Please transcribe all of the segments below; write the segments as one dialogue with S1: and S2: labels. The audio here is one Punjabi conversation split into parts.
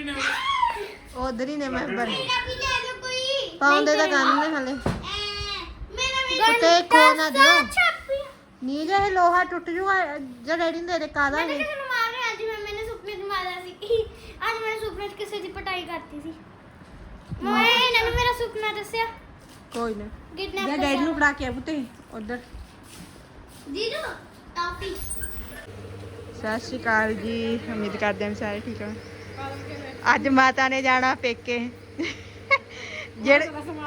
S1: ਉਧਰ ਹੀ ਨੇ ਮੈਂਬਰ ਪਾਉਂਦੇ ਤਾਂ ਕੰਨ ਨੇ ਹਲੇ ਤੇ ਖੋ ਨਾ ਦਿਓ ਨੀ ਜੇ ਲੋਹਾ ਟੁੱਟ ਜੂਗਾ ਜੇ ਡੈਡੀ ਨੇ ਦੇ ਕਾਦਾ ਇਹ
S2: मैंने सुपने च मारा सी आज मैंने सुपने च किसी दी पिटाई करती सी मैंने मेरा सुपना दस्या
S1: ਕੋਈ ਨਾ
S2: किडनैप
S1: ਜੇ ਡੈਡੀ ਨੂੰ ਫੜਾ ਕੇ ਆ ਪੁੱਤੇ ਉਧਰ
S2: जीरो टॉफी
S1: ਸਤਿ ਸ਼੍ਰੀ ਅਕਾਲ ਜੀ ਉਮੀਦ ਕਰਦੇ ਹਾਂ ਸਾਰੇ ਠੀਕ ਹੋ ਅੱਜ ਮਾਤਾ ਨੇ ਜਾਣਾ ਪੇਕੇ ਜਿਹੜੇ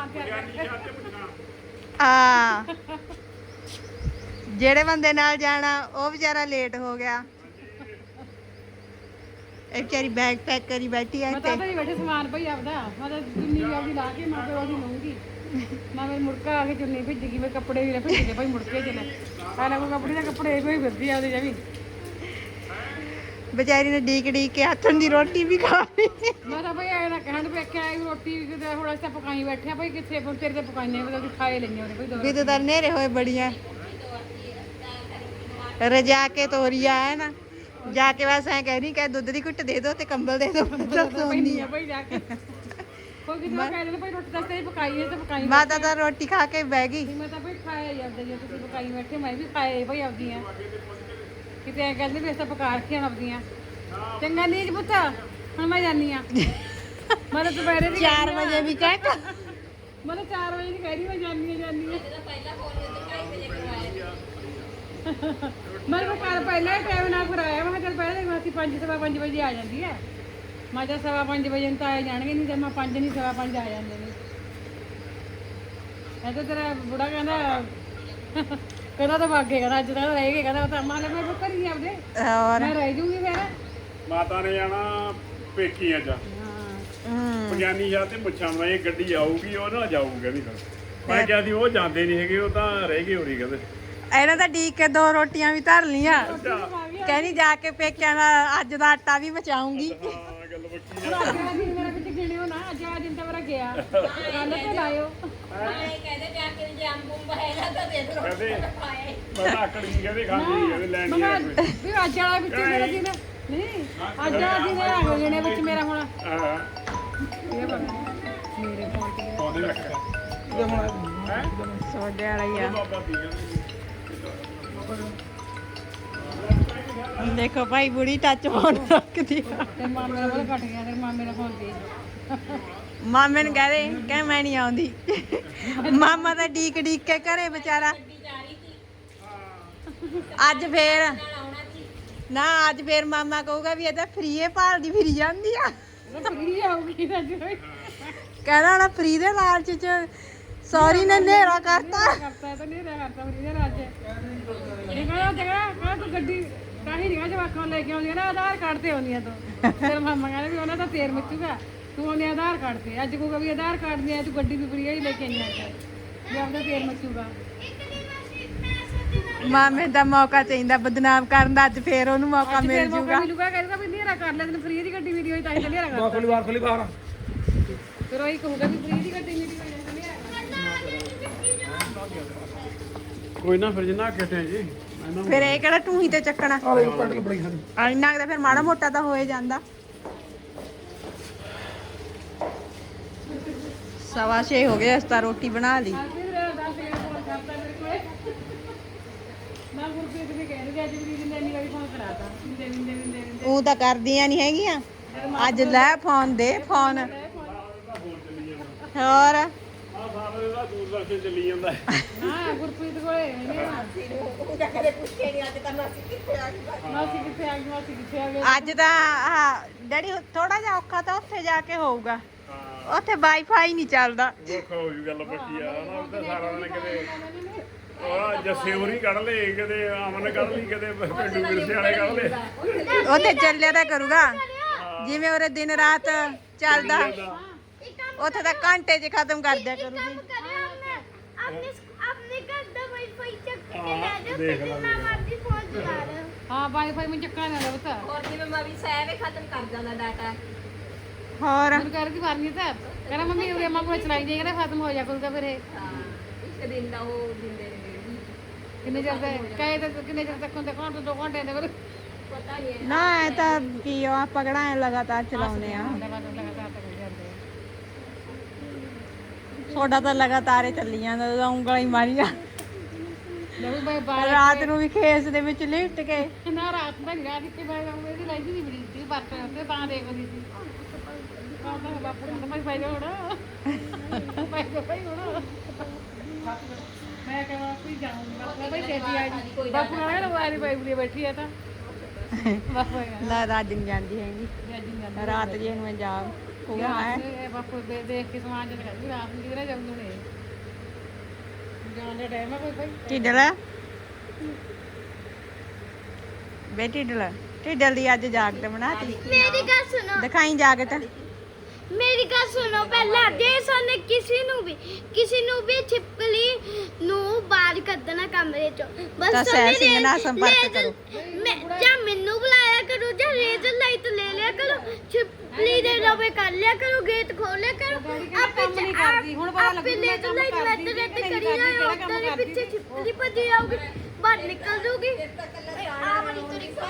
S1: ਜਿਹੜੇ ਬੰਦੇ ਨਾਲ ਜਾਣਾ ਉਹ ਵਿਚਾਰਾ ਲੇਟ ਹੋ ਗਿਆ ਇਹ ਵਿਚਾਰੀ ਬੈਗ ਪੈਕ ਕਰੀ ਬੈਠੀ ਹੈ
S3: ਮੈਂ ਤਾਂ ਹੀ ਬੈਠੇ ਸਮਾਨ ਭਈ ਆਪਦਾ ਮੈਂ ਤਾਂ ਚੁੰਨੀ ਆਪਦੀ ਲਾ ਕੇ ਮੈਂ ਫਿਰ ਉਹਦੀ ਲਊਂਗੀ ਮੈਂ ਮੇਰੇ ਮੁੜਕਾ ਆ ਕੇ ਚੁੰਨੀ ਭਿੱਜ ਗਈ ਮੈਂ ਕੱਪੜੇ ਵੀ ਭਿੱਜ ਗਏ ਭਾਈ ਮੁੜ ਕੇ ਚਲੇ ਪਹਿਲਾਂ ਕੋਈ ਕੱਪੜੇ ਦਾ ਕੱਪੜੇ ਕੋਈ ਫਿਰਦੀ ਆ ਉਹਦੇ ਜਵੀ
S1: ਵਿਚਾਰੀ ਨੇ ਡੀਕ ਕੇ ਹੱਥਾਂ ਦੀ ਰੋਟੀ ਵੀ ਖਾ ਲਈ
S3: ਮੈਂ ਤਾਂ ਭਈ ਐਂ ਨਾ ਕਹਿਣ ਵੇਖਿਆ ਰੋਟੀ ਕਿਤੇ ਹੁਣ ਅਸੀਂ ਤਾਂ ਪਕਾਈ ਬੈਠੇ ਆ ਭਾਈ ਕਿੱਥੇ ਤੇਰੇ ਤੇ ਪਕਾਈਨੇ ਵੀ ਅਸੀਂ ਖਾਏ ਲੈਣੇ ਉਹਨੇ ਭਾਈ ਦੋ
S1: ਵੀ ਤਾਂ ਨੇਰੇ ਹੋਏ ਬੜੀਆਂ ਰਜਾ ਕੇ ਤੋਰੀਆ ਹੈ ਨਾ ਜਾ ਕੇ ਬਸ ਐ ਕਹਿ ਰਹੀ ਕਿ ਦੁੱਧ ਦੀ ਘੁੱਟ ਦੇ ਦੋ ਤੇ ਕੰਬਲ ਦੇ ਦੋ
S3: ਪੈਣੀ ਆ ਭਾਈ ਜਾ ਕੇ ਕੋਈ ਕਿਤੇ ਕਹਿ ਦਿੰਦੇ ਭਾਈ ਰੋਟੀ ਤਾਂ ਤੇ ਪਕਾਈ ਹੈ ਤੇ ਪਕਾਈ
S1: ਮਾਤਾ ਤਾਂ ਰੋਟੀ ਖਾ ਕੇ ਬਹਿ ਗਈ
S3: ਮੈਂ ਤਾਂ ਭਾਈ ਖਾਇਆ ਜਾਂਦਾ ਜੇ ਤੁਸੀਂ ਪਕਾਈ ਬੈਠੇ ਮੈਂ ਵੀ ਖਾਏ ਭਾਈ ਆਪਦੀਆਂ ਕਿਤੇ ਐ ਕਹਿੰਦੇ ਵੀ ਅਸੀਂ ਤਾਂ ਪਕਾ ਰੱਖੀਆਂ ਆਪਦੀਆਂ ਚੰਗਾ ਨੀਜ ਪੁੱਤ ਹੁਣ ਮੈਂ ਜਾਨੀ ਆ ਮੈਂ ਤਾਂ ਦੁਪਹਿਰੇ ਦੀ
S1: 4 ਵਜੇ ਵੀ ਕਹਿ
S3: ਮੈਂ ਤਾਂ 4 ਵਜੇ ਦੀ ਕਹਿ ਰਹੀ ਮੈਂ ਜਾਨੀ ਆ ਮੈਂ ਕੋ ਕੱਲ ਪਹਿਲਾਂ ਹੀ ਟਾਈਮ ਨਾਲ ਕਰਾਇਆ ਮੈਂ ਚੱਲ ਪਹਿਲਾਂ ਅਸੀਂ 5:30 ਵਜੇ ਆ ਜਾਂਦੀ ਹੈ ਮੈਂ ਤਾਂ 5:15 ਵਜੇ ਨੂੰ ਤਾਂ ਆ ਜਾਣਗੇ ਨਹੀਂ ਤੇ ਮੈਂ 5 ਨਹੀਂ 5:15 ਆ ਜਾਂਦੇ ਨੇ ਇਹ ਤਾਂ ਤੇਰਾ ਬੁੜਾ ਕਹਿੰਦਾ ਤਾਂ ਵਾਗੇ ਕਹਿੰਦਾ ਅੱਜ ਤਾਂ ਰਹਿ ਗਏ ਕਹਿੰਦਾ ਉਹ ਤਾਂ ਮਾਂ ਲੈ ਮੈਂ ਘਰੀ ਆਪਦੇ
S1: ਹੋਰ
S3: ਮੈਂ ਰਹਿ ਜੂਗੀ ਫਿਰ
S4: ਮਾਤਾ ਨੇ ਜਾਣਾ ਪੇਕੀ ਅੱਜ ਪੰਜਾਨੀ ਸ਼ਾਹ ਤੇ ਮੁੱਛਾਂ ਮੈਂ ਇਹ ਗੱਡੀ ਆਊਗੀ ਉਹ ਨਾਲ ਜਾਊਗੀ ਕਹਿੰਦੀ ਫਿਰ ਮੈਂ ਕਿਹਾ ਸੀ ਉਹ ਜਾਂਦੇ ਨਹੀਂ ਹੈਗੇ ਉਹ ਤਾਂ ਰਹਿ ਗਏ ਹੋਰੀ ਕਹਿੰਦੇ
S1: ਇਹਨਾਂ ਤਾਂ ਡੀਕ ਕੇ 2 ਰੋਟੀਆਂ ਵੀ ਧਰ ਲੀਆਂ ਕਹਿੰਦੀ ਜਾ ਕੇ ਪੇਕਿਆਂ ਦਾ ਅੱਜ ਦਾ ਆਟਾ ਵੀ ਬਚਾਉਂਗੀ
S4: ਹਾਂ ਗੱਲ ਬੱਕੀ
S3: ਹੁਣ ਅੱਜ ਦਾ ਦਿਨ ਮੇਰਾ ਵਿੱਚ ਗਿਣਿਓ ਨਾ ਅੱਜ ਦਾ ਦਿਨ ਤਾਂ ਮੇਰਾ ਗਿਆ ਕੱਲ ਤੇ ਲਾਇਓ
S4: ਕਹਿੰਦੇ ਮੈਂ ਤਾਂ ਆਕੜ ਗਈ ਕਹਿੰਦੇ ਖਾਂਦੀ ਨਹੀਂ ਕਹਿੰਦੇ ਲੈਣ ਨਹੀਂ ਆਇਆ ਕੋਈ
S3: ਵੀ ਅੱਜ ਵਾਲਾ ਵਿੱਚ ਮੇਰਾ ਦਿਨ ਨਹੀਂ ਅੱਜ ਵਾਲਾ ਦਿਨ ਆ ਗਿਣੇ ਵਿੱਚ ਮੇਰਾ ਹੁਣ
S4: ਹਾਂ
S3: ਇਹ ਬਣ ਮੇਰੇ ਫੋਨ ਤੇ
S4: ਪੌਦੇ ਰੱਖਿਆ ਹੈ
S1: ਸੋਡੇ ਵਾਲਾ ਹੀ ਆ
S4: ਬਾਬਾ ਦੀ ਕਹਿੰਦੇ
S1: ਦੇਖੋ ਭਾਈ ਬੁੜੀ ਟੱਚ ਫੋਨ ਰੱਖਦੀ ਆ
S3: ਤੇ ਮਾਮੇ ਦਾ ਕੱਟ ਗਿਆ ਤੇ ਮਾਮੇ ਦਾ ਫੋਨ ਤੇ
S1: ਮਾਮੇ ਨੂੰ ਕਹਦੇ ਮੈਂ ਨਹੀਂ ਆਉਂਦੀ ਮਾਮਾ ਤਾਂ ਡੀਕ ਕੇ ਘਰੇ ਵਿਚਾਰਾ ਅੱਜ ਫੇਰ ਮਾਮਾ ਕਹੂਗਾ ਵੀ ਇਹ ਤਾਂ ਫ੍ਰੀ ਹੈ ਭਾਲਦੀ ਫਿਰੀ ਜਾਂਦੀ ਆ
S3: ਫਰੀ ਆਉਗੀ ਅੱਜ
S1: ਕਹਿੰਦਾ ਨਾ ਫ੍ਰੀ ਦੇ ਲਾਲਚ ਚ ਸੌਰੀ ਨੇ ਨੇਰਾ ਕਰਤਾ
S3: ਕਰਤਾ ਤਾਂ ਨਹੀਂ ਰਿਹਾ ਕਰਤਾ ਫਰੀ ਦੇ ਰਾਜ ਇਹ ਕਹਿੰਦਾ ਜਗਾ ਤੂੰ ਗੱਡੀ ਕਾਹੀ ਨਹੀਂ ਜਵਾਕਾਂ ਲੈ ਕੇ ਆਉਂਦੀ ਨਾ ਆਧਾਰ ਕਾਰਡ ਤੇ ਆਉਂਦੀਆਂ ਤੂੰ ਫਿਰ ਮਾਮਾ ਕਹਿੰਦਾ ਵੀ ਉਹਨਾਂ ਦਾ ਤੇਰ ਮੱਚੂਗਾ ਤੂੰ ਉਹਨੇ ਆਧਾਰ ਕਾਰਡ ਤੇ ਅੱਜ ਕਹੂਗਾ ਵੀ ਆਧਾਰ ਕਾਰਡ ਨਹੀਂ ਆਇਆ ਤੂੰ ਗੱਡੀ ਵੀ ਫਰੀ ਹੀ ਲੈ ਕੇ ਆਈ ਆ ਵੀ ਆਪਦਾ ਤੇਰ ਮੱਚੂਗਾ
S1: ਮਾਮੇ ਦਾ ਮੌਕਾ ਚਾਹੀਦਾ ਬਦਨਾਮ ਕਰਨ ਦਾ ਅੱਜ ਫੇਰ ਉਹਨੂੰ ਮੌਕਾ ਮਿਲ ਜੂਗਾ
S3: ਮਿਲੂਗਾ ਕਹਿੰਦਾ ਵੀ ਨੇਰਾ ਕਰ ਲੈ ਤੈਨੂੰ ਫਰੀ ਦੀ ਗੱਡੀ ਮੇਰੀ ਹੋਈ ਤਾਂ ਹੀ ਤਾਂ ਨੇਰਾ ਕਰ
S4: ਖੋਲੀ ਬਾਹਰ
S3: ਫਿਰ ਉਹੀ ਕਹੂਗਾ ਵੀ ਫਰੀ ਦੀ ਗੱਡੀ ਮੇਰੀ ਹੋਈ ਤਾਂ ਨੇਰਾ
S4: ਕੋਈ ਨਾ ਫਿਰ ਜਿੰਨਾ ਕਿਤੇ ਜੀ
S1: ਫਿਰ ਇਹ ਕਿਹੜਾ ਟੂਹੀ ਤੇ ਚੱਕਣਾ ਇੰਨਾ ਕੁ ਤਾਂ ਫਿਰ ਮਾੜਾ ਮੋਟਾ ਤਾਂ ਹੋਏ ਜਾਂਦਾ 6:15 ਹੋ ਗਏ ਅਸੀਂ ਤਾਂ ਰੋਟੀ ਬਣਾ ਲਈ
S3: ਮੈਂ ਗੁਰਪ੍ਰੀਤ ਵੀ ਕਹਿ ਰਹੀ ਅੱਜ ਵੀ ਦਿਨ ਇੰਨੀ ਵਾਰੀ ਫੋਨ ਕਰਾਤਾ ਦੇ
S1: ਉਹ ਤਾਂ ਕਰਦੀਆਂ ਨਹੀਂ ਹੈਗੀਆਂ ਅੱਜ ਲੈ ਫੋਨ ਦੇ ਫੋਨ ਹੋਰ
S4: ਆ ਸਾਰੇ ਦਾ ਦੂਰਦਰਸ਼ਨ ਚੱਲੀ ਜਾਂਦਾ ਹੈ
S3: ਹਾਂ ਗੁਰਪ੍ਰੀਤ ਕੋਲੇ ਉਹ ਜਾ ਕੇ ਪੁੱਛੇ ਨਹੀਂ ਅੱਜ ਤਾਂ ਮਾਸੀ ਕਿੱਥੇ ਆ ਗਈ ਮਾਸੀ ਕਿੱਥੇ ਆ ਗਈ
S1: ਅੱਜ ਤਾਂ ਡੈਡੀ ਥੋੜਾ ਜਿਹਾ ਔਖਾ ਤਾਂ ਉੱਥੇ ਜਾ ਕੇ ਹੋਊਗਾ ਉੱਥੇ ਵਾਈਫਾਈ ਨਹੀਂ ਚੱਲਦਾ
S4: ਔਖਾ ਹੋ ਜੂ ਗੱਲ ਬੱਕੀ ਆ ਨਾ ਉੱਥੇ ਸਾਰਾ ਦਿਨ ਕਿਤੇ ਉਹ ਜੱਸੇ ਹੋਰੀ ਕੱਢ ਲਏ ਕਿਤੇ ਅਮਨ ਕੱਢ ਲਈ ਕਿਤੇ ਪਿੰਡੂ ਵਿਰਸੇ ਵਾਲੇ ਕੱਢ ਲਏ
S1: ਉੱਥੇ ਚੱਲਿਆ ਤਾਂ ਕਰੂਗਾ ਜਿਵੇਂ ਉਹਦੇ ਦਿਨ ਰਾਤ ਚੱਲਦਾ ਉੱਥੇ ਤਾਂ ਘੰਟੇ 'ਚ ਖਤਮ ਕਰ ਦਿਆ ਕਰੂਗੀ
S2: अपने घर का वाईफाई चेक करके
S4: हाँ,
S2: ले जाओ
S4: देख
S2: फिर
S4: ला,
S2: मैं मर्जी फोन चला रहा हूं
S3: ਹਾਂ ਵਾਈਫਾਈ ਮੈਂ ਚੱਕਣਾ ਨਾ ਬਤਾ
S5: और जिਵੇਂ ਮੈਂ ਵੀ ਸਹਿ ਖਤਮ ਕਰ ਜਾਂਦਾ ਡਾਟਾ
S1: ਹੋਰ
S3: ਮੈਨੂੰ ਕਹਿ ਰਹੀ ਵਾਰਨੀ ਤਾਂ ਕਹਿੰਦਾ ਮੰਮੀ ਉਹ ਅੰਮਾ ਕੋਲ ਚਲਾਈ ਜਾਏਗਾ ਨਾ ਖਤਮ ਹੋ ਜਾ ਕਰੂਗਾ ਫਿਰ ਇਹ
S5: ਹਾਂ ਇੱਕ ਦਿਨ ਦਾ ਉਹ ਦਿੰਦੇ ਨੇ
S3: ਕਿੰਨੇ ਚਿਰ ਤੱਕ ਕਹੇ ਤਾਂ ਕਿੰਨੇ ਚਿਰ ਤੱਕ ਹੁੰਦੇ ਘੰਟੇ 2 ਘੰਟੇ ਦੇ ਫਿਰ
S5: ਪਤਾ ਨਹੀਂ
S1: ਨਾ ਐ ਤਾਂ ਕੀ ਆ, ਆਪਾਂ ਕਿਹੜਾ ਐ ਲਗਾਤਾਰ ਚਲਾਉਨੇ ਆ।
S3: ਲਗਾਤਾਰ ਤਾਂ ਕਰੀ ਜਾਂਦੇ
S1: ਤੁਹਾਡਾ ਤਾਂ ਲਗਾਤਾਰ ਹੀ ਚੱਲੀ ਜਾਂਦਾ, ਉਂਗਲਾਂ ਹੀ ਮਾਰੀਆਂ
S3: ਲਓ ਬਾਈ ਬਾਹਰ
S1: ਰਾਤ ਨੂੰ ਵੀ ਖੇਸ ਦੇ ਵਿੱਚ ਲਿਟ ਕੇ।
S3: ਨਾ ਰਾਤ ਦਾ ਰਾਤ ਕਿ ਬਾਈ ਇਹਦੀ ਲੈਂਦੀ ਨਹੀਂ ਬੜੀ ਸੀ ਬੱਸ ਤੇ ਤਾਂ ਦੇਖਦੀ ਸੀ ਤਾਂ ਬਾਪੂ ਨੂੰ ਮੈਂ ਪਾਈ ਹੋਣਾ ਪਾਈ ਹੋਣਾ ਮੈਂ ਕਹਿੰਦਾ ਕੋਈ ਜਾਊਂਗਾ ਮੈਂ ਭਾਈ ਛੇਤੀ ਆ ਜੀ ਬਾਪੂ ਨਾਲ ਨਾ ਵਾਰੀ ਪਾਈ ਬੁਲੀ ਬੈਠੀ ਆ ਤਾਂ ਬਾਪੂ
S1: ਨਾ ਰਾਤ ਨਹੀਂ ਜਾਂਦੀ ਹੈਗੀ,
S3: ਜੀ
S1: ਰਾਤ ਜੇ ਨੂੰ ਜਾ ਹੋਗਾ ਹੈ।
S3: ਇਹ ਬਾਪੂ ਦੇਖ ਕੇ ਸਮਾਨ ਜਦ ਕਰਦੀ ਰਾਤ ਨੂੰ ਕਿਧਰੇ ਜਾਂਦੇ ਨੇ ਜਾਣ ਦਾ ਟਾਈਮ ਆ ਕੋਈ ਭਾਈ
S1: ਢਿੱਡਲ ਬੇਟੀ ਢਿੱਡਲ ਦੀ ਅੱਜ ਜਾਕਟ ਬਣਾਤੀ।
S2: ਮੇਰੀ ਗੱਲ ਸੁਣੋ,
S1: ਦਿਖਾਈ ਜਾਕਟ।
S2: ਮੇਰੀ ਗੱਲ ਸੁਣੋ ਪਹਿਲਾਂ ਜੇ ਸਾਨੂੰ ਕਿਸੇ ਨੂੰ ਵੀ ਛਿਪਕਲੀ ਨੂੰ ਬਾਹਰ ਕੱਢਣਾ ਕਮਰੇ ਚੋਂ
S1: ਤਾਂ
S2: ਬਸ
S1: ਸਹਿ ਸਿੰਘ ਨਾਲ ਸੰਪਰਕ ਕਰੋ।
S2: ਜਾਂ ਮੈਨੂੰ ਬੁਲਾਇਆ ਕਰੋ ਜਾਂ ਰੇਜ਼ਰ ਲਾਈਟ ਲੈ ਲਿਆ ਕਰੋ, ਛਿਪਕਲੀ ਦੇ ਲਵੇ ਕਰ ਲਿਆ ਕਰੋ, ਗੇਟ ਖੋਲ ਲਿਆ ਕਰੋ।
S3: ਕੰਮ ਨਹੀਂ ਕਰਦੀ ਹੁਣ ਪਤਾ ਲੱਗੂ ਮੈਂ
S2: ਰੇਜ਼ਰ
S3: ਕੰਮ
S2: ਲਾਈਟ
S3: ਕਰਦੀ
S2: ਮੈਟ
S3: ਕਿ ਨਹੀਂ
S2: ਕਰੀ
S3: ਕਰਦੀ
S2: ਜਾਓ,
S3: ਕਿਹੜਾ ਕੰਮ
S2: ਉਹਦੇ
S3: ਕਰਦੀ
S2: ਪਿੱਛੇ ਛਿਪਕਲੀ ਭੱਜੀ ਆਊਗੀ, ਬਾਹਰ ਨਿਕਲ ਜੂਗੀ। ਆ ਬੜੀ ਤਰੀਕਾ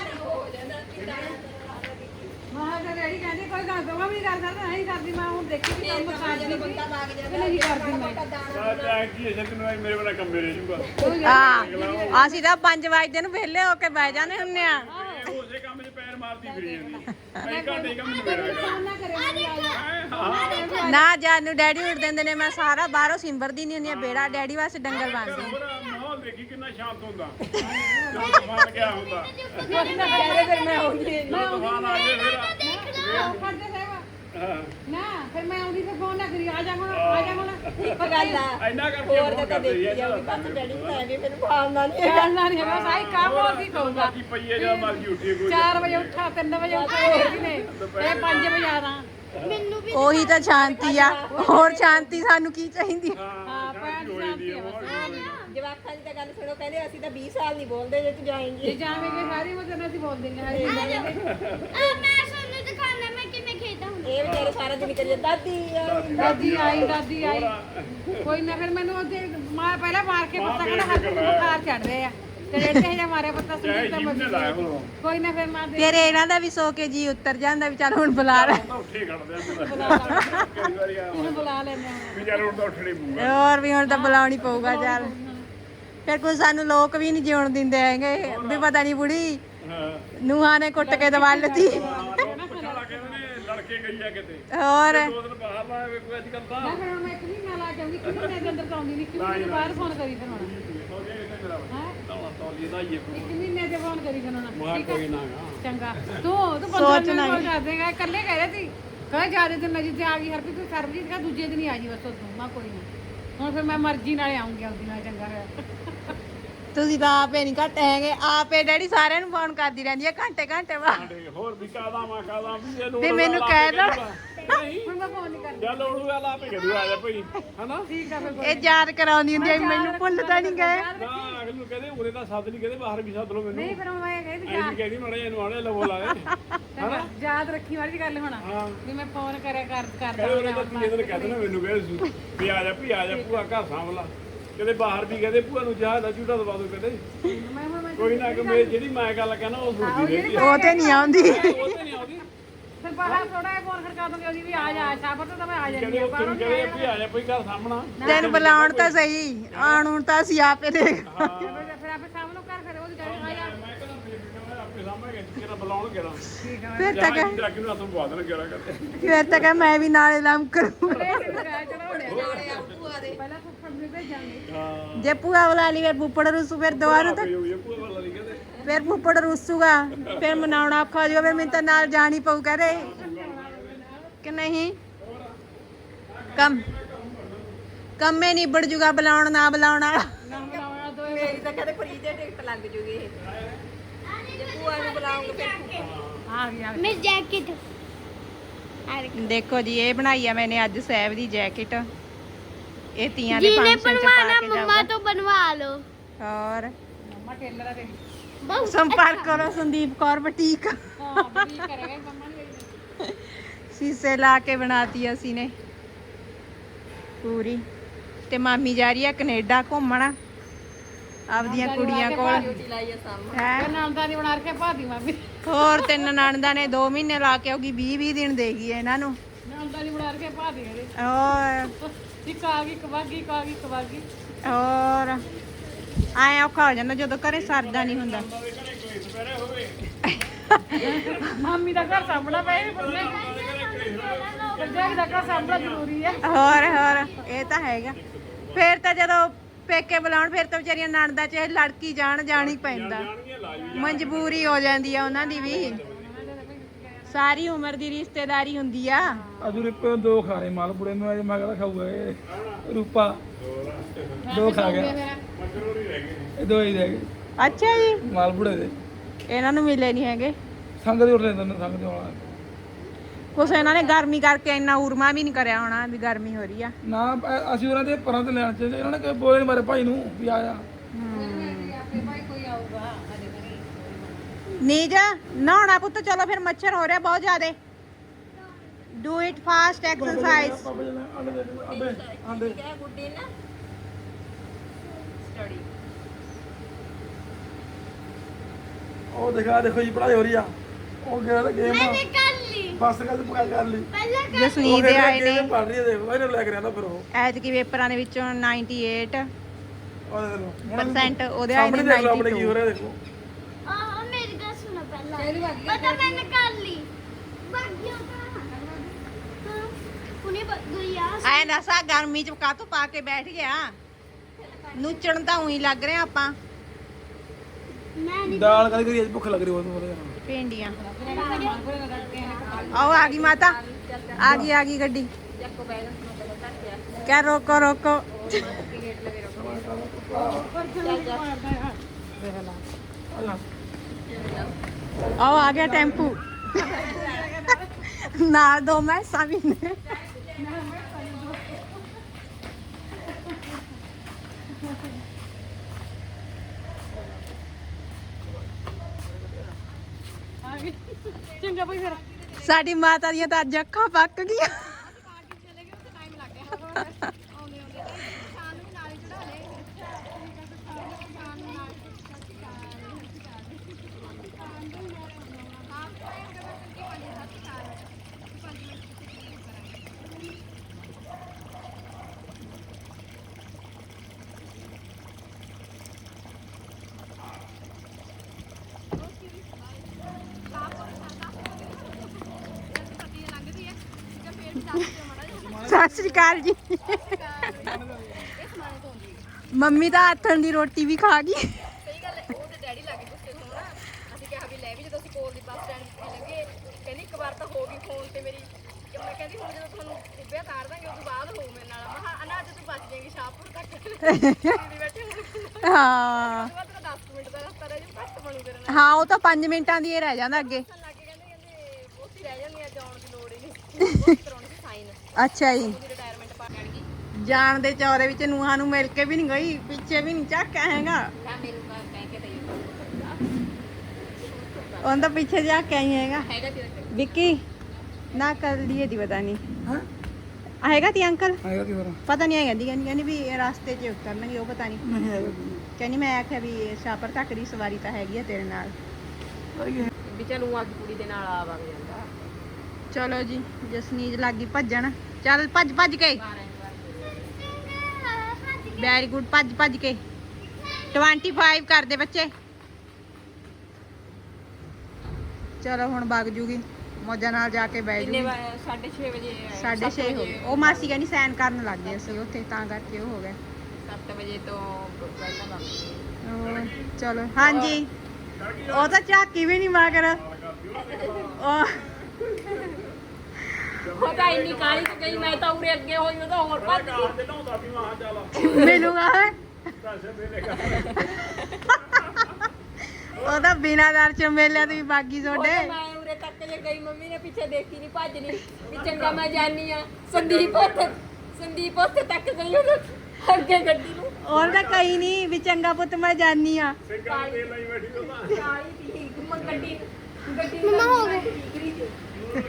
S3: ਮਾਂ ਦਾ ਰੈਡੀ ਕਹਿੰਦੇ ਕੋਈ ਗੱਲ ਦੋਗਾ ਵੀ ਨਹੀਂ ਕਰ ਸਕਦਾ ਨਹੀਂ ਕਰਦੀ ਮੈਂ ਹੁਣ ਦੇਖੀ ਵੀ ਕੰਮ ਕਰਦੀ ਨਹੀਂ ਨਹੀਂ ਕਰਦੀ ਮੈਂ
S4: ਚਾਹ ਕੀ ਹੈ ਕਿ ਮੇਰੇ ਵਾਲਾ ਕੰਮ ਮੇਰੇ ਜੂਗਾ
S1: ਹਾਂ ਅਸੀਂ ਤਾਂ 5 ਵਜੇ ਨੂੰ ਵਿਹਲੇ ਹੋ ਕੇ ਬਹਿ ਜਾਂਦੇ ਹੁੰਨੇ ਆ।
S4: ਉਸੇ ਕੰਮ 'ਚ ਪੈਰ ਮਾਰਦੀ ਫਿਰੀ ਜਾਂਦੀ ਕਈ ਘੰਟੇ ਕੰਮ ਨਹੀਂ ਮੇਰਾ
S3: ਨਾ ਕਰੇ
S1: ਨਾ ਜਦ ਨੂੰ ਡੈਡੀ ਉੱਠ ਦਿੰਦੇ ਨੇ, ਮੈਂ ਸਾਰਾ ਬਾਹਰੋਂ ਸਿੰਬਰਦੀ ਨਹੀਂ ਹੁੰਦੀ ਆ ਬੇੜਾ, ਡੈਡੀ ਵਾਸਤੇ ਡੰਗਰ ਬੰਨਦੀ ਆ।
S4: ਹੋਰ ਮਾਹੌਲ ਦੇਖੀ ਕਿੰਨਾ ਸ਼ਾਂਤ ਹੁੰਦਾ ਜਦੋਂ ਤੂਫਾਨ ਗਿਆ ਹੁੰਦਾ
S5: ਫਿਰ ਮੈਂ ਆਉਂਦੀ
S4: ਜਦੋਂ ਤੂਫਾਨ ਆ ਜਾਏ ਫਿਰ
S3: ਕਰਦੇ ਸੇਵਾ
S4: ਹਾਂ
S3: ਨਾ ਫਿਰ ਮੈਂ ਆਉਂਦੀ ਫਿਰ ਫੋਨ ਨਾ ਕਰੀ ਆ ਜਾ ਹੁਣ
S5: ਇੱਕ ਗੱਲ ਆ
S4: ਇੰਨਾ ਕਰਕੇ
S5: ਹੋਰ
S4: ਫੋਨ
S5: ਤਾਂ
S4: ਕਰਦੇ
S5: ਦੇਖੀ ਜਾਊਗੀ ਬਸ ਡੈਡੀ ਨੂੰ ਐਵੇਂ ਮੈਨੂੰ ਭਾਵਨਾ ਨਹੀਂ
S3: ਕਰਨਾ ਨਹੀਂ ਹੈਗਾ ਸਾਈ ਕੰਮ ਹੋਰ ਕੀ ਕਹੂੰਗਾ
S4: ਬਾਕੀ ਪਈਏ ਜਾਂ ਮਰਜੀ ਉੱਠੀਏ ਕੋਈ
S3: 4 ਵਜੇ ਉੱਠਾ 3 ਵਜੇ ਉੱਠਾ ਹੋਰ ਕੀ ਨੇ ਇਹ 5 ਵਜੇ ਆਦਾ
S2: ਮੈਨੂੰ ਵੀ
S1: ਉਹੀ ਤਾਂ ਸ਼ਾਂਤੀ ਆ, ਹੋਰ ਸ਼ਾਂਤੀ ਸਾਨੂੰ ਕੀ ਚਾਹੀਦੀ ਆ?
S4: ਹਾਂ
S3: ਪੈਂਟ
S4: ਹੋਈ ਦੀ ਹੈ
S5: ਜਵਾਕਾਂ ਦੀ ਤਾਂ ਗੱਲ ਸੁਣੋ ਕਹਿੰਦੇ ਅਸੀਂ ਤਾਂ 20 ਸਾਲ ਨਹੀਂ ਬੋਲਦੇ ਜੇ ਤੂੰ ਜਾਏਂਗੀ
S3: ਜੇ ਜਾਵੇਂਗੇ ਸਾਰੀ ਉਮਰ ਅਸੀਂ ਬੋਲ ਦਿੰਦੇ ਹਾਂ
S2: ਮੈਂ ਸਾਨੂੰ ਦਿਖਾਣਾ ਮੈਂ ਕਿਵੇਂ ਖੇਡਦਾ ਹੁੰਦਾ।
S5: ਇਹ ਵਿਚਾਰੇ ਸਾਰਾ ਦਿਨ ਕਰੀ ਦਾਦੀ
S3: ਦਾਦੀ ਆਈ ਕੋਈ ਨਾ ਫਿਰ ਮੈਨੂੰ ਉਹਦੇ ਮਾਰ ਪਹਿਲਾਂ ਮਾਰ ਕੇ ਪੱਤਾ ਕਹਿੰਦਾ ਹੱਥ ਨੂੰ ਬੁਖਾਰ ਚੜ ਰਹੇ ਆ ਤੇ ਰੇਟੇ ਜਿਹਾ ਮਾਰਿਆ ਪੱਤਾ
S4: ਚਾਹੇ
S3: ਸੁਣੀ ਤਾਂ
S4: ਜਿੰਨੇ ਲਾਇਆ ਹੁਣ
S3: ਕੋਈ ਨਾ ਫਿਰ ਮਾਰ ਦੇ
S1: ਫਿਰ ਇਹਨਾਂ ਦਾ ਵੀ ਸੋ ਕੇ ਜੀ ਉੱਤਰ ਜਾਂਦਾ ਵੀ ਚੱਲ ਹੁਣ ਬੁਲਾ ਲੈ।
S4: ਤਾਂ ਉੱਠੇ ਖੜਦੇ ਆ ਕਈ ਵਾਰੀ ਆ
S3: ਉਹਨੂੰ ਬੁਲਾ ਲੈਂਦੇ ਹਾਂ
S4: ਵੀ ਚੱਲ ਹੁਣ ਤਾਂ ਉੱਠਣੇ ਪਊਗਾ
S1: ਹੋਰ ਵੀ ਹੁਣ ਤਾਂ ਬੁਲਾਉਣੀ ਪਊਗਾ ਚੱਲ। ਫਿਰ ਕੋਈ ਸਾਨੂੰ ਲੋਕ ਵੀ ਨਹੀਂ ਜਿਉਣ ਦਿੰਦੇ ਹੈਗੇ ਵੀ ਪਤਾ ਨਹੀਂ ਬੁੜੀ
S4: ਹਾਂ
S1: ਨੂੰਹਾਂ ਨੇ ਕੁੱਟ ਕੇ ਦਵਾ ਲਤੀ।
S4: ਪਛਾਲਾ ਕਹਿੰਦੇ ਨੇ ਲੜਕੇ ਗਈ ਆ ਕਿਤੇ
S1: ਹੋਰ
S4: 2 ਦਿਨ ਬਾਹਰ ਲਾਏ ਕੋਈ ਅੱਜ ਕੱਲ ਤਾਂ
S3: ਮੈਂ ਫਿਰ ਹੁਣ ਮੈਂ ਇੱਕ ਮਹੀਨਾ ਲਾ ਕੇ ਆਉਂਦੀ ਕਿ ਮਹੀਨੇ ਦੇ ਅੰਦਰ ਤਾਂ ਆਉਂਦੀ ਨਹੀਂ ਕਿ ਮਹੀਨੇ ਬਾਅਦ ਫੋਨ ਕਰੀ ਫਿਰ ਹੁਣ ਇੱਕ ਮਹੀਨੇ ਦੇ ਫੋਨ ਕਰੀ ਫਿਰ ਹੁਣ
S4: ਕੋਈ ਨਾ
S3: ਚੰਗਾ ਤੂੰ 15 ਮਿੰਟ ਫੋਨ ਕਰ ਦੇਗਾ ਇਕੱਲੇ ਕਹਿ ਰਹੇ ਸੀ ਕਹੇ ਜਿਆਦਾ ਦਿਨ ਨਜੀ ਤੇ ਆ ਗਈ ਹਰਪ੍ਰੀਤ ਤੂੰ ਸਰਬਜੀਤ ਕਾ ਦੂਜੇ ਦਿਨ ਹੀ ਆ ਜੀ ਬਸ ਉਦੋਂ ਮੈਂ ਕੋਈ ਨਾ ਹੁਣ ਫਿਰ ਮੈਂ ਮਰਜ਼ੀ ਨਾਲੇ ਆਉਂਗੀ ਆਪਦੀ ਨਾਲ ਚੰਗਾ ਹੋਇਆ
S1: ਤੁਸੀਂ ਤਾਂ ਆਪੇ ਨਹੀਂ ਘੱਟ ਹੈਗੇ, ਆਪੇ ਡੈਡੀ ਸਾਰਿਆਂ ਨੂੰ ਫੋਨ ਕਰਦੀ ਰਹਿੰਦੀ ਹੈ ਘੰਟੇ ਬਾਅਦ
S4: ਸਾਡੇ ਹੋਰ ਵੀ ਕਾਦਾ ਮਾ ਕਾਦਾ ਵੀ ਇਹ ਲੋੜ
S1: ਵੀ ਮੈਨੂੰ ਕਹਿ ਦੋ।
S3: ਹੁਣ ਮੈਂ ਫੋਨ ਨਹੀਂ ਕਰਦੀ
S4: ਜਾਂ ਲੋੜੂ ਵਾਲਾ ਆਪੇ ਕਰੂ ਆ ਜਾ ਭਈ ਹਨਾ
S3: ਠੀਕ ਆ ਫਿਰ
S1: ਇਹ ਯਾਦ ਕਰਾਉਂਦੀ ਹੁੰਦੀ ਹੈ, ਮੈਨੂੰ ਭੁੱਲ ਤਾਂ ਨਹੀਂ ਗਏ।
S4: ਨਾ ਅਗਲੇ ਨੂੰ ਕਹਿੰਦੇ ਉਰੇ ਤਾਂ ਸੱਦ ਨਹੀਂ ਕਹਿੰਦੇ ਬਾਹਰ ਵੀ ਸੱਦ ਲਓ ਮੈਨੂੰ
S3: ਨਹੀਂ ਫਿਰ ਮੈਂ ਕਹਿੰਦੀ
S4: ਐਂ ਵੀ ਕਹਿੰਦੀ ਮੜੇ ਇਹਨੂੰ ਆਣੇ ਲਵੋ ਲਾਵੇ
S3: ਯਾਦ ਰੱਖੀ ਵਾਲੀ ਗੱਲ ਹੁਣ
S4: ਹਾਂ
S3: ਵੀ ਮੈਂ ਫੋਨ ਕਰਿਆ ਕਰਦਾ
S4: ਕਹਿੰਦੇ ਉਰੇ ਤਾਂ ਤੀਏ ਦਿਨ ਕਹਿੰਦੇ ਨਾ ਮੈਨੂੰ ਕਹਿੰਦੇ ਵੀ ਆ ਜਾ ਭੂਆ ਘਰ ਸਾਂਭਲਾ ਕਹਿੰਦੇ ਬਾਹਰ ਵੀ ਕਹਿੰਦੇ ਭੂਆ ਨੂੰ ਜਹਾਜ਼ ਦਾ ਝੂਟਾ ਦਵਾ ਦੋ ਕਹਿੰਦੇ
S3: ਮੈਂ
S4: ਕੋਈ ਨਾ ਕਿ ਮੇਰੀ ਜਿਹੜੀ ਮੈਂ ਗੱਲ ਕਹਿਣਾ ਉਹ ਸੁਣਦੀ ਰਹਿੰਦੀ ਆ
S1: ਉਹ ਤੇ ਨਹੀਂ ਆਉਂਦੀ।
S4: ਉਹ ਤੇ ਨਹੀਂ ਆਉਂਦੀ
S3: ਫਿਰ ਬਾਹਰ ਥੋੜਾ ਜਿਹਾ ਫੋਨ ਖੜਕਾ ਦੂੰਗੀ ਉਹਦੀ ਵੀ ਆ ਜਾ ਸ਼ਾਬਤ ਤਾਂ ਮੈਂ ਆ ਜਾਂਦੀ
S4: ਕਹਿੰਦੇ ਉਹ ਤੈਨੂੰ ਕਹਿੰਦੇ ਵੀ ਆ ਜਾ ਭਈ ਘਰ ਸਾਹਮਣਾ
S1: ਤੈਨੂੰ ਬੁਲਾਉਣ ਤਾਂ ਸਹੀ, ਆਉਣ ਹੁਣ ਤਾਂ ਅਸੀਂ ਆਪੇ ਦੇਖ।
S3: ਫਿਰ ਆਪੇ ਸਾਹਮਣੇ ਘਰ ਫਿਰ ਉਹਦੀ ਗੱਲ ਆ ਜਾ
S4: ਮੈਂ ਕਹਿੰਦਾ ਆਪੇ ਸਾਹਮਣੇ ਕਿਹੜਾ ਬੁਲਾਉਣ ਕਿਹੜਾ
S3: ਠੀਕ ਆ
S1: ਫਿਰ ਤਾਂ
S4: ਜਹਾਜ਼ ਦੀ ਰੱਖ ਨੂੰ ਹੱਥ ਪਵਾ ਦੇਣਾ ਕਿਹੜਾ ਕਰਦੇ
S1: ਫਿਰ ਤਾਂ ਮੈਂ ਵੀ ਨਾਲੇ ਲੰਮ ਕਰੂੰ।
S3: ਪਹਿਲਾਂ ਫੁੱਫੜ ਨੂੰ ਭੇਜਾਂਗੇ
S4: ਹਾਂ
S1: ਜੇ ਭੂਆ ਬੁਲਾ ਲਈ ਫਿਰ ਫੁੱਫੜ ਰੁੱਸੂ, ਫਿਰ ਦੁਬਾਰਾ ਤਾਂ
S4: ਹੋਈ ਹੈ ਭੂਆ ਵਾਲਾ ਨਹੀਂ ਕਹਿੰਦੇ
S1: ਫਿਰ ਫੁੱਫੜ ਰੁੱਸੂਗਾ, ਫਿਰ ਮਨਾਉਣਾ ਔਖਾ ਹੋ ਜਾਊਗਾ, ਫਿਰ ਮੈਨੂੰ ਤਾਂ ਨਾਲ ਜਾਣੀ ਪਊ ਕਹਦੇ ਕਿ ਨਹੀਂ। ਕੰਮੇ ਨਿਬੜ ਜੂਗਾ ਬੁਲਾਉਣ ਨਾ ਬੁਲਾਉਣ ਵਾਲਾ।
S3: ਨਾ ਬਣਾਉਣਾ ਦੋ
S5: ਮੇਰੀ ਤਾਂ ਕਹਿੰਦੇ ਫਰੀ ਦੇ ਟਿਕਟ ਲੱਗ ਜੂਗੀ ਇਹ ਜੇ ਭੂਆ ਨੂੰ ਬੁਲਾਉਂਗੇ ਫਿਰ
S3: ਆ ਗਿਆ
S2: ਮੇਰੀ ਜੈਕਟ
S1: ਦੇਖੋ ਜੀ ਇਹ ਬਣਾਈ ਆ ਮੈਨੇ ਅੱਜ ਸਹਿਬ ਦੀ ਜੈਕਟ। ਇਹ ਤੀਆਂ ਦੇ
S2: ਜਿਹਨੇ
S1: ਫੰਕਸ਼ਨ ਚ
S2: बनवाना
S1: ਪਾ ਕੇ
S2: मम्मा
S1: ਜਾਊਗਾ।
S2: तो बनवा लो।
S1: ਹੋਰ
S3: ਮੰਮਾ ਟੇਲਰ ਆ ਤੇਰੀ
S2: बहुत
S1: ਸੰਪਰਕ ਕਰੋ ਸੰਦੀਪ ਕੌਰ ਬੁਟੀਕ।
S3: ਹਾਂ ਬੜੀ ਕਰੇਗਾ ਮੰਮਾ ਨੇ
S1: ਸ਼ੀਸ਼ੇ ਲਾ ਕੇ ਬਣਾਤੀ ਅਸੀਂ ਨੇ ਪੂਰੀ। ਤੇ ਮਾਮੀ ਜਾ ਰਹੀ ਆ ਕੈਨੇਡਾ ਘੁੰਮਣ। ਆਪਦੀਆਂ ਕੁੜੀਆਂ ਕੋਲ
S5: ਡਿਊਟੀ ਲਾਈ ਆ ਸਾਹਮਣੇ
S1: ਹੈ।
S3: ਨਾਮਦਾਨੀ ਬਣਾ ਕੇ ਭਾਦੀ ਮਾਮੀ
S1: ਹੋਰ 3 ਨਣਦਾਂ ਨੇ 2 ਮਹੀਨੇ ਲਾ ਕੇ ਆਉਗੀ 20 ਦਿਨ ਦੇਗੀ ਇਹਨਾਂ ਨੂੰ।
S3: ਨਾਮਦਾਨੀ ਬਣਾ ਕੇ ਭਾਦੀ ਇਹਦੇ
S1: ਹੋਰ
S3: ਇੱਕ ਆ ਗਈ ਕਵਾਗੀ ਕਵਾਗੀ
S1: ਹੋਰ ਆਏ ਔਖਾ ਹੋ ਜਾਂਦਾ ਜਦੋਂ ਘਰੇ ਸਰਦਾ ਨਹੀਂ ਹੁੰਦਾ।
S3: ਮਾਮੀ ਦਾ ਘਰ ਸਾਂਭਣਾ ਪਏ ਪਰਜਾਈ ਦਾ ਘਰ ਸਾਂਭਣਾ ਜ਼ਰੂਰੀ ਹੈ।
S1: ਹੋਰ ਇਹ ਤਾਂ ਹੈਗਾ। ਫੇਰ ਤਾਂ ਜਦੋਂ ਪੇਕੇ ਬੁਲਾਉਣ ਫਿਰ ਤਾਂ ਵਿਚਾਰੀਆਂ ਨਣਦਾਂ ਚ ਲੜਕੀ ਜਾਣ ਹੀ ਪੈਂਦਾ। ਮਜਬੂਰੀ ਹੋ ਜਾਂਦੀ ਆ ਉਹਨਾਂ ਦੀ ਵੀ। ਸਾਰੀ ਉਮਰ ਦੀ ਰਿਸ਼ਤੇਦਾਰੀ ਹੁੰਦੀ ਆ।
S6: ਅਜੂ ਰਿਪੇ 2 ਖਾ ਰਹੇ ਮਾਲ ਬੁੜੇ ਨੂੰ, ਅਜੇ ਮੈਂ ਕਹਿੰਦਾ ਖਾਊਗਾ ਇਹ ਰੂਪਾ 2 ਖਾ ਗਿਆ, ਇਹ 2 ਹੀ ਰਹਿ ਗਏ
S1: ਅੱਛਾ ਜੀ,
S6: ਮਾਲ ਬੁੜੇ ਦੇ।
S1: ਇਹਨਾਂ ਨੂੰ ਮਿਲੇ ਨਹੀਂ ਹੈਗੇ।
S6: ਸੰਗ ਦੇ ਉੱਠਦੇ ਨੇ, ਸੰਗ ਦੇ ਆਉਣਾ
S1: ਕੁਛ ਇਹਨਾਂ ਨੇ ਗਰਮੀ ਕਰਕੇ ਇੰਨਾ ਉਰਮਾ ਵੀ ਨਹੀਂ ਕਰਿਆ ਹੋਣਾ ਵੀ ਗਰਮੀ ਹੋ ਰਹੀ ਆ।
S6: ਨਾ ਅਸੀਂ ਉਹਨਾਂ ਦੇ ਪਰਾਂ ਤੇ ਲੈਣ ਚਾਹੀਦੇ, ਇਹਨਾਂ ਨੇ ਕੋਈ ਬੋਲੇ ਮਾਰੇ ਭਾਈ ਨੂੰ ਵੀ ਆਇਆ।
S1: ਨੀਜ ਨਹਾਉਣਾ ਪੁੱਤ, ਚਲੋ ਫਿਰ ਮੱਛਰ ਹੋ ਰਿਹਾ ਬਹੁਤ ਜ਼ਿਆਦੇ। Do it fast exercise.
S6: ਆਂਡੇ
S5: ਕਿਆ ਗੁੱਡੀ ਨਾ ਸਟੱਡੀ
S6: ਉਹ ਦੇਖੋ ਜੀ ਪੜਾਈ ਹੋ ਰਹੀ ਆ। ਉਹ ਗਿਆ ਗੇਮ
S2: मैंने कर ली
S6: ਬਸ ਕਰ ਲਈ।
S2: पहले कर
S1: ਜਸਨੀਤ ਦੇ ਆਏ ਨੇ
S6: ਪੜ ਰਹੀ ਹੈ, ਦੇਖੋ ਇਹਨੂੰ ਲੈ ਕੇ ਰਹਿੰਦਾ ਫਿਰ ਉਹ
S1: ਐਤਕੀ ਪੇਪਰਾਂ ਦੇ ਵਿੱਚੋਂ 98%
S6: ਉਹ ਦੇਖ ਲਓ
S1: ਉਹਦੇ ਆਏ ਨੇ
S6: ਸਾਹਮਣੇ ਦੇਖ ਲਓ ਆਪਣੇ ਕੀ
S1: 92।
S6: ਹੋ ਰਿਹਾ ਦੇਖੋ।
S2: मेरी गल सुनो पहले पता मैंने कर ली भाग गया हाँ, उन्हें भाग गई यार
S1: ਆਏ ਨਸਾ ਗਰਮੀ ਚ ਕਾਹਤੋਂ ਪਾ ਕੇ ਬੈਠ ਗਿਆ। ਨੂਚਣ ਤਾਂ ਉਹੀ ਲੱਗ ਰਿਹਾ ਆਪਾਂ।
S2: मैं नहीं
S6: ਦਾਲ ਕਦੀ ਕਦੀ ਭੁੱਖ ਲੱਗ ਰਹੀ ਹੋਵੇ
S1: ਭਿੰਡੀਆਂ ਆਓ ਆ ਗਈ ਮਾਤਾ, ਆ ਗਈ ਗੱਡੀ।
S5: ਚੱਕੋ ਬੈਗ ਮਤਲਬ ਧੱਕਿਆ
S1: ਕਿਆ ਰੋਕੋ
S5: ਗੇਟ ਲਗੇ ਰੋਕੋ
S1: ਆਓ ਆ ਗਿਆ ਟੈਂਪੂ ਨਾਲ 2 ਮੈਸਾਂ ਵੀ ਨੇ।
S3: ਚੰਗਾ ਭਾਈ ਫਿਰ
S1: ਸਾਡੀ ਮਾਤਾ ਦੀਆਂ ਤਾਂ ਅੱਜ ਅੱਖਾਂ ਪੱਕ ਗਈਆਂ। ਸਤਿ ਸ਼੍ਰੀ ਅਕਾਲ ਜੀ। ਮੰਮੀ ਤਾਂ ਹੱਥਾਂ ਦੀ ਰੋਟੀ ਵੀ ਖਾ ਗਈ।
S5: ਸਹੀ ਗੱਲ ਹੈ। ਉਹ ਤੇ ਡੈਡੀ ਲੱਗੇ ਗੁੱਸੇ ਹੋਣਾ। ਅਸੀਂ ਕਿਹਾ ਵੀ ਲੈ ਵੀ ਜਦੋਂ ਅਸੀਂ ਕੋਲ ਦੀ ਬੱਸ ਸਟੈਂਡ ਤੇ ਲੱਗੇ ਕਹਿੰਦੀ ਇੱਕ ਵਾਰ ਤਾਂ ਹੋ ਗਈ ਫੋਨ ਤੇ ਮੇਰੀ ਕਿ ਮੈਂ ਕਹਿੰਦੀ ਹੁਣ ਜਦੋਂ ਤੁਹਾਨੂੰ ਉੱਭਿਆ ਤਾਰ ਦਾਂਗੇ ਉਸ ਤੋਂ ਬਾਅਦ ਹੋਊ ਮੇਰੇ ਨਾਲ। ਮਹਾ ਅਨਾ ਅੱਜ ਤੂੰ ਬਚ ਜਾਏਗੀ ਸ਼ਾਹਪੁਰ ਤੱਕ ਦੀਦੀ ਬੈਠੇ ਹੋਣ
S1: ਹਾਂ
S5: ਬਾਅਦ 10 ਮਿੰਟ ਦਾ ਰਸਤਾ ਰਹਿ ਜੂ ਘੱਟ ਬਣੂ ਤੇਰੇ ਨਾਲ
S1: ਹਾਂ, ਉਹ ਤਾਂ 5 ਮਿੰਟਾਂ ਦੀ ਹੀ ਰਹਿ ਜਾਂਦਾ ਅੱਗੇ।
S5: ਲੱਗੇ ਕਹਿੰਦੇ ਉੱਥੇ ਰਹਿ ਜਾਂਦੀ ਆ ਜਾਣ ਦੀ ਲੋੜ ਹੀ ਨਹੀਂ ਬਹੁਤ ਕਰਾਉਣੀ ਸੀ ਸਾਈਨ
S1: ਅੱਛਾ ਜੀ,
S5: ਉਹਦੀ ਰਿਟਾਇਰਮੈਂਟ ਪਾ ਜਾਣਗੀ
S1: ਜਾਣ ਦੇ ਚੌਰੇ ਵਿੱਚ ਨੂੰਹਾਂ ਨੂੰ ਮਿਲ ਕੇ ਵੀ ਨਹੀਂ ਗਈ, ਪਿੱਛੇ ਵੀ ਨਹੀਂ ਝਾਕਿਆ ਹੈਗਾ।
S5: ਕਾ ਮੇਰੇ ਨੂੰ ਕਹਿ ਕੇ ਤੇ
S1: ਉਹਨਾਂ ਦਾ ਪਿੱਛੇ ਜਾ ਕੇ ਆਈ ਹੈਗਾ।
S5: ਹੈਗਾ ਤੇਰਾ
S1: ਵਿੱਕੀ ਨਾ ਕਰ ਲਈਏ ਦੀ ਪਤਾ ਨਹੀਂ
S6: ਹਾਂ
S1: ਆਏਗਾ ਤੀ ਅੰਕਲ,
S6: ਆਏਗਾ ਕੀ ਹੋਰ
S1: ਪਤਾ ਨਹੀਂ ਆਏਗਾ ਦੀ ਕਹਿੰਦੀ ਵੀ ਰਸਤੇ 'ਚ ਉਤਰਨਗੇ, ਉਹ ਪਤਾ ਨਹੀਂ।
S6: ਨਹੀਂ ਆਏਗਾ
S1: ਕਹਿੰਦੀ ਮੈਂ ਆਖਿਆ ਵੀ ਸ਼ਾਪਰ ਤੱਕ ਦੀ ਸਵਾਰੀ ਤਾਂ ਹੈਗੀ ਆ ਤੇਰੇ ਨਾਲ।
S5: ਵੀ ਚਲੂ ਅੱਜ ਕੁੜੀ ਦੇ ਨਾਲ ਆ ਵਗ ਜਾਂਦਾ
S1: ਚਲੋ ਜੀ, ਜਸਨੀਤ ਲੱਗੀ ਭੱਜਣ। ਚੱਲ ਭੱਜ ਕੇ, ਵੈਰੀ ਗੁੱਡ, ਭੱਜ ਕੇ 25 ਕਰਦੇ ਬੱਚੇ। ਚਲੋ ਹੁਣ ਵਗ ਜੂਗੀ, ਮੌਜਾਂ ਨਾਲ ਜਾ ਕੇ ਬਹਿ
S5: ਕਿੰਨੇ
S1: ਜੂਗੀ।
S5: 6:30 ਵਜੇ
S1: 6:30 ਹੋ ਗਏ। ਉਹ ਮਾਸੀ ਕਹਿੰਦੀ ਸੈਨ ਕਰਨ ਲੱਗ ਗਏ ਅਸੀਂ ਉੱਥੇ, ਤਾਂ ਕਰਕੇ ਉਹ ਹੋ ਗਿਆ।
S5: 7 ਵਜੇ ਤੋਂ ਪਹਿਲਾਂ ਵਗ
S1: ਹੋਰ, ਚਲੋ ਹਾਂਜੀ। ਉਹ ਤਾਂ ਝਾਕੀ ਵੀ ਨਹੀਂ ਮਗਰ। ਉਹ
S5: ਉਹ ਤਾਂ ਇੰਨੀ ਕਾਲੀ ਚ ਗਈ ਮੈਂ ਤਾਂ ਉਰੇ ਅੱਗੇ ਹੋਈ ਉਹ ਤਾਂ ਹੋਰ ਭੱਜ ਗਈ
S1: ਮਿਲੂਗਾ ਉਹ ਤਾਂ ਬਿਨਾਂ ਦਰ ਚ ਮੇਲਿਆ ਤੇ ਵੀ ਬਾਗੀ
S5: ਉਹ
S1: ਤੁਹਾਡੇ।
S5: ਤਾਂ ਮੈਂ ਉਰੇ ਤੱਕ ਜੇ ਗਈ ਮੰਮੀ ਨੇ ਪਿੱਛੇ ਦੇਖੀ ਨਹੀਂ ਭੱਜਣੀ ਵੀ ਚੰਗਾ ਮੈਂ ਜਾਨੀ ਆ। ਸੰਦੀਪ ਉੱਥੇ ਤੱਕ ਗਈ ਉਹ ਅੱਗੇ ਗੱਡੀ ਨੂੰ
S1: ਔਰ ਤਾਂ ਕਈ ਨਹੀਂ ਵੀ ਚੰਗਾ ਪੁੱਤ ਮੈਂ ਜਾਨੀ ਆ।
S5: ਕਾਲੀ ਦੀ ਗੱਡੀ
S2: मम्मा हो गए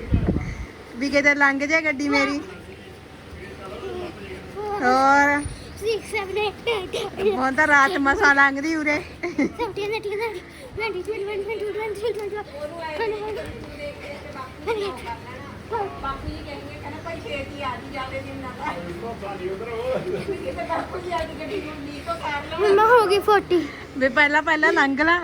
S1: ਵੀ ਕਿਤੇ ਲੰਘ ਜੇ ਗੱਡੀ ਮੇਰੀ। ਹੋਰ
S2: 6 7 8 9
S1: ਹੁਣ ਤਾਂ ਰਾਤ ਮਸਾਂ ਲੰਘਦੀ ਉਰੇ
S2: 17 18 19 20 21 22
S5: ਬਾਪੂ ਜੀ ਕਹਿੰਦੇ ਭਾਈ ਛੇਤੀ ਆ ਜੀ ਜਾਵੇ ਦਿਨ ਨਾ
S2: ਮੰਮਾ ਹੋ ਗਈ 40
S1: ਵੀ ਪਹਿਲਾਂ ਲੰਘ ਲਾ।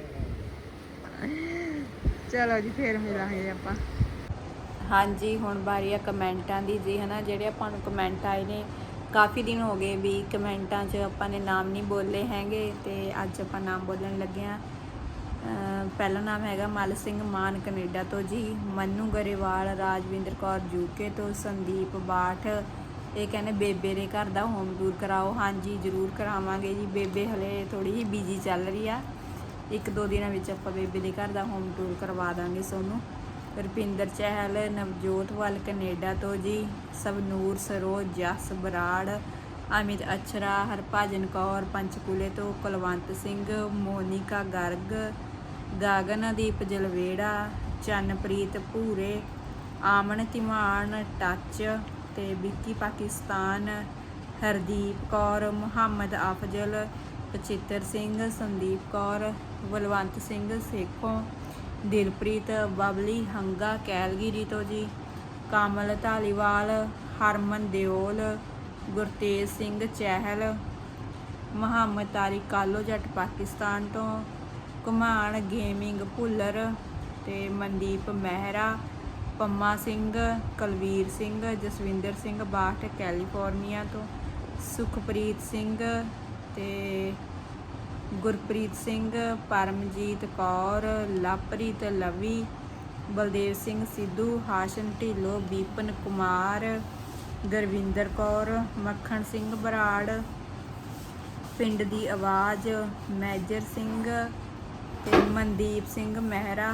S1: ਚਲੋ ਜੀ ਫੇਰ ਮਿਲਾਂਗੇ ਆਪਾਂ। ਹਾਂਜੀ ਹੁਣ ਵਾਰੀ ਆ ਕਮੈਂਟਾਂ ਦੀ ਜੀ ਹਨਾ, ਜਿਹੜੇ ਆਪਾਂ ਨੂੰ ਕਮੈਂਟ ਆਏ ਨੇ ਕਾਫੀ ਦਿਨ ਹੋ ਗਏ ਵੀ ਕਮੈਂਟਾਂ 'ਚ ਆਪਾਂ ਨੇ ਨਾਮ ਨਹੀਂ ਬੋਲੇ ਹੈਗੇ, ਤੇ ਅੱਜ ਆਪਾਂ ਨਾਮ ਬੋਲਣ ਲੱਗੇ ਹਾਂ। ਪਹਿਲਾ ਨਾਮ ਹੈਗਾ ਮਲ ਸਿੰਘ ਮਾਨ ਕੈਨੇਡਾ ਤੋਂ ਜੀ, ਮਨੂ ਗਰੇਵਾਲ, ਰਾਜਵਿੰਦਰ ਕੌਰ ਯੂਕੇ ਤੋਂ, ਸੰਦੀਪ ਬਾਠ, ਇਹ ਕਹਿੰਦੇ ਬੇਬੇ ਦੇ ਘਰ ਦਾ ਹੋਮ ਟੂਰ ਕਰਾਓ। ਹਾਂਜੀ ਜ਼ਰੂਰ ਕਰਾਵਾਂਗੇ ਜੀ, ਬੇਬੇ ਹਲੇ ਥੋੜੀ ਜਿਹੀ ਬਿਜੀ ਚੱਲ ਰਹੀ ਆ, 1-2 ਦਿਨਾਂ ਵਿੱਚ ਆਪਾਂ ਬੇਬੇ ਦੇ ਘਰ ਦਾ ਹੋਮ ਟੂਰ ਕਰਵਾ ਦਾਂਗੇ ਤੁਹਾਨੂੰ। ਰੁਪਿੰਦਰ ਚਹਿਲ ਨਵਜੋਤ ਵੱਲ ਕੈਨੇਡਾ ਤੋਂ ਜੀ, ਸਵਨੂਰ ਸਰੋਜ, ਜਸ ਬਰਾੜ, ਅਮਿਤ ਅਛਰਾ, ਹਰਭਜਨ ਕੌਰ ਪੰਚਕੂਲੇ ਤੋਂ, ਕੁਲਵੰਤ ਸਿੰਘ, ਮੋਨਿਕਾ ਗਰਗ, ਗਗਨਦੀਪ ਜਲਵੇੜਾ, ਚੰਨਪ੍ਰੀਤ ਭੂਰੇ, ਆਮਨ ਧੀਮਾਨ ਟੱਚ ਤੇ ਵਿੱਕੀ ਪਾਕਿਸਤਾਨ, ਹਰਦੀਪ ਕੌਰ, ਮੁਹੰਮਦ ਅਫਜ਼ਲ, ਪਚਿੱਤਰ ਸਿੰਘ, ਸੰਦੀਪ ਕੌਰ, ਬਲਵੰਤ ਸਿੰਘ ਸੇਖੋਂ, ਦਿਲਪ੍ਰੀਤ, ਬਬਲੀ ਹੰਗਾ ਕੈਲਗਰੀ ਤੋਂ ਜੀ, ਕਮਲ ਧਾਲੀਵਾਲ, ਹਰਮਨ ਦਿਓਲ, ਗੁਰਤੇਜ ਸਿੰਘ ਚਹਿਲ, ਮੁਹੰਮਦ ਤਾਰਿਕ ਕਾਲੋ ਜੱਟ ਪਾਕਿਸਤਾਨ ਤੋਂ, ਘੁਮਾਣ ਗੇਮਿੰਗ ਭੁੱਲਰ ਤੇ ਮਨਦੀਪ ਮਹਿਰਾ, ਪੰਮਾ ਸਿੰਘ, ਕੁਲਵੀਰ ਸਿੰਘ, ਜਸਵਿੰਦਰ ਸਿੰਘ ਬਾਠ ਕੈਲੀਫੋਰਨੀਆ ਤੋਂ, ਸੁਖਪ੍ਰੀਤ ਸਿੰਘ ਤੇ ਗੁਰਪ੍ਰੀਤ ਸਿੰਘ, ਪਰਮਜੀਤ ਕੌਰ, ਲਵਪ੍ਰੀਤ ਲਵੀ, ਬਲਦੇਵ ਸਿੰਘ ਸਿੱਧੂ, ਹਾਸ਼ਨ ਢਿੱਲੋਂ, ਬੀਪਨ ਕੁਮਾਰ, ਗੁਰਵਿੰਦਰ ਕੌਰ, ਮੱਖਣ ਸਿੰਘ ਬਰਾੜ, ਪਿੰਡ ਦੀ ਆਵਾਜ਼, ਮੈਜਰ ਸਿੰਘ ਤੇ ਮਨਦੀਪ ਸਿੰਘ ਮਹਿਰਾ,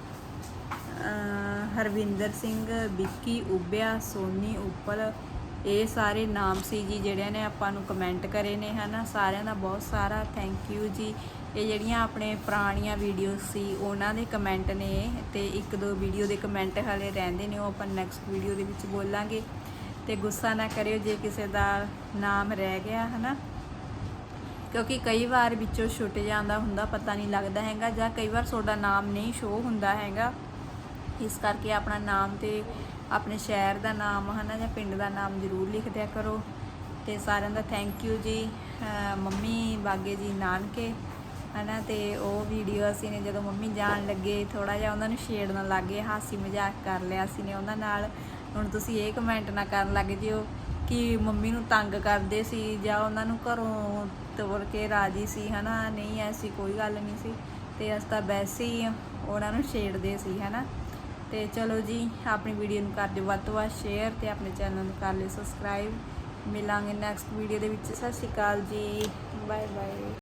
S1: ਹਰਵਿੰਦਰ ਸਿੰਘ, ਵਿੱਕੀ ਉਬਿਆ, ਸੋਨੀ ਉਪਲ, ਇਹ ਸਾਰੇ ਨਾਮ ਸੀ ਜੀ ਜਿਹੜਿਆਂ ਨੇ ਆਪਾਂ ਨੂੰ ਕਮੈਂਟ ਕਰੇ ਨੇ ਹਨਾ। ਸਾਰਿਆਂ ਦਾ ਬਹੁਤ ਸਾਰਾ ਥੈਂਕ ਯੂ ਜੀ। ਇਹ ਜਿਹੜੀਆਂ ਆਪਣੇ ਪੁਰਾਣੀਆਂ ਵੀਡੀਓਜ਼ ਸੀ ਉਹਨਾਂ ਦੇ ਕਮੈਂਟ ਨੇ, ਤੇ 1-2 ਵੀਡੀਓ ਦੇ ਕਮੈਂਟ ਹਾਲੇ ਰਹਿੰਦੇ ਨੇ, ਉਹ ਆਪਾਂ ਨੈਕਸਟ ਵੀਡੀਓ ਦੇ ਵਿੱਚ ਬੋਲਾਂਗੇ। ਤੇ ਗੁੱਸਾ ਨਾ ਕਰਿਓ ਜੇ ਕਿਸੇ ਦਾ ਨਾਮ ਰਹਿ ਗਿਆ ਹਨਾ, ਕਿਉਂਕਿ ਕਈ ਵਾਰ ਵਿੱਚੋਂ ਛੁੱਟ ਜਾਂਦਾ ਹੁੰਦਾ, ਪਤਾ ਨਹੀਂ ਲੱਗਦਾ ਹੈਗਾ, ਜਾਂ ਕਈ ਵਾਰ ਤੁਹਾਡਾ ਨਾਮ ਨਹੀਂ ਸ਼ੋਅ ਹੁੰਦਾ ਹੈਗਾ। ਇਸ ਕਰਕੇ ਆਪਣਾ ਨਾਮ ਤੇ ਆਪਣੇ ਸ਼ਹਿਰ ਦਾ ਨਾਮ ਹਨਾ ਜਾਂ ਪਿੰਡ ਦਾ ਨਾਮ ਜ਼ਰੂਰ ਲਿਖ ਦਿਆ ਕਰੋ। ਤੇ ਸਾਰਿਆਂ ਦਾ ਥੈਂਕ ਯੂ ਜੀ। ਮੰਮੀ ਬਾਗੇ ਜੀ ਨਾਨਕੇ ਹਨਾ, ਤੇ ਉਹ ਵੀਡੀਓ ਅਸੀਂ ਨੇ ਜਦੋਂ ਮੰਮੀ ਜਾਣ ਲੱਗੇ ਥੋੜਾ ਜਿਹਾ ਉਹਨਾਂ ਨੂੰ ਛੇੜਨ ਲੱਗ ਗਏ, ਹਾਸੀ ਮਜ਼ਾਕ ਕਰ ਲਿਆ ਸੀ ਨੇ ਉਹਨਾਂ ਨਾਲ। ਹੁਣ ਤੁਸੀਂ ਇਹ ਕਮੈਂਟ ਨਾ ਕਰਨ ਲੱਗ ਜਿਓ ਕਿ ਮੰਮੀ ਨੂੰ ਤੰਗ ਕਰਦੇ ਸੀ ਜਾਂ ਉਹਨਾਂ ਨੂੰ ਘਰੋਂ ਤੋੜ ਕੇ ਰਾਜੀ ਸੀ ਹਨਾ, ਨਹੀਂ ਐਸੀ ਕੋਈ ਗੱਲ ਨਹੀਂ ਸੀ, ਤੇ ਅਸੀਂ ਤਾਂ ਵੈਸੇ ਹੀ ਉਹਨਾਂ ਨੂੰ ਛੇੜਦੇ ਸੀ ਹਨਾ। ਤੇ ਚਲੋ ਜੀ ਆਪਣੀ ਵੀਡੀਓ ਨੂੰ ਕਰ ਦਿਓ ਵੱਧ ਤੋਂ ਵੱਧ ਸ਼ੇਅਰ, ਤੇ ਆਪਣੇ ਚੈਨਲ ਨੂੰ ਕਰ ਲਿਓ ਸਬਸਕ੍ਰਾਈਬ। ਮਿਲਾਂਗੇ ਨੈਕਸਟ ਵੀਡੀਓ ਦੇ ਵਿੱਚ। ਸਤਿ ਸ਼੍ਰੀ ਅਕਾਲ ਜੀ, ਬਾਏ ਬਾਏ।